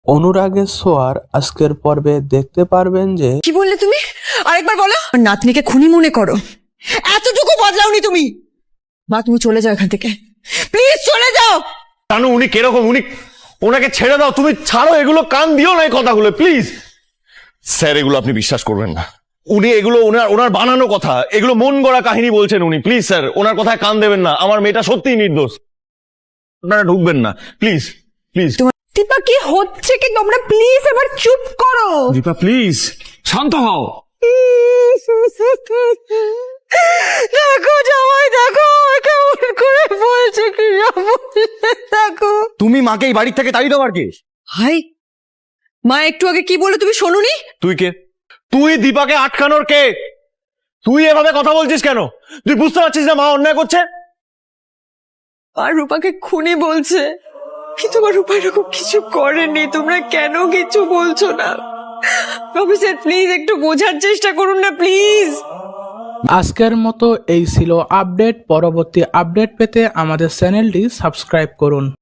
অনুরাগের ছোঁয়ার আজকের পর্বে দেখতে পারবেন যে কি বললে তুমি? আরেকবার বলো। আমার নাতনিকে খুনি মনে করো, এতটুকু বদলাওনি তুমি। মা তুমি চলে যাও এখান থেকে, প্লিজ চলে যাও। জানো উনি কিরকম, ওনাকে ছেড়ে দাও, তুমি ছাড়ো এগুলো, কান দিও না এই কথাগুলো প্লিজ। স্যার এগুলো আপনি বিশ্বাস করবেন না, উনি এগুলো ওনার বানানো কথা, এগুলো মন গড়া কাহিনী বলছেন উনি। প্লিজ স্যার ওনার কথায় কান দেবেন না, আমার মেয়েটা সত্যিই নির্দোষ, আপনারা ঢুকবেন না প্লিজ প্লিজ। দীপা কি হচ্ছে কি? তোমরা প্লিজ এবার চুপ করো। দীপা প্লিজ শান্ত হও। দেখো জামাই, দেখো কেমন করে বলছে কি দেখো। তুমি মাকে এই বাড়ি থেকে তাড়িয়ে দেওয়ার কে? হাই মা, একটু আগে কি বলে তুমি শোনোনি? তুই কে? তুই দীপাকে আটকানোর কে? তুই এভাবে কথা বলছিস কেন? তুই বুঝতে পারছিস না মা অন্যায় করছে? আর রূপাকে খুনি বলছে, কিন্তু আমার রূপা এরকম কিছু করেনি। তোমরা কেন কিছু বলছো না? প্রফেসর প্লিজ একটু বোঝার চেষ্টা করুন না প্লিজ। আজকের মতো এই ছিল আপডেট। পরবর্তী আপডেট পেতে আমাদের চ্যানেলটি সাবস্ক্রাইব করুন।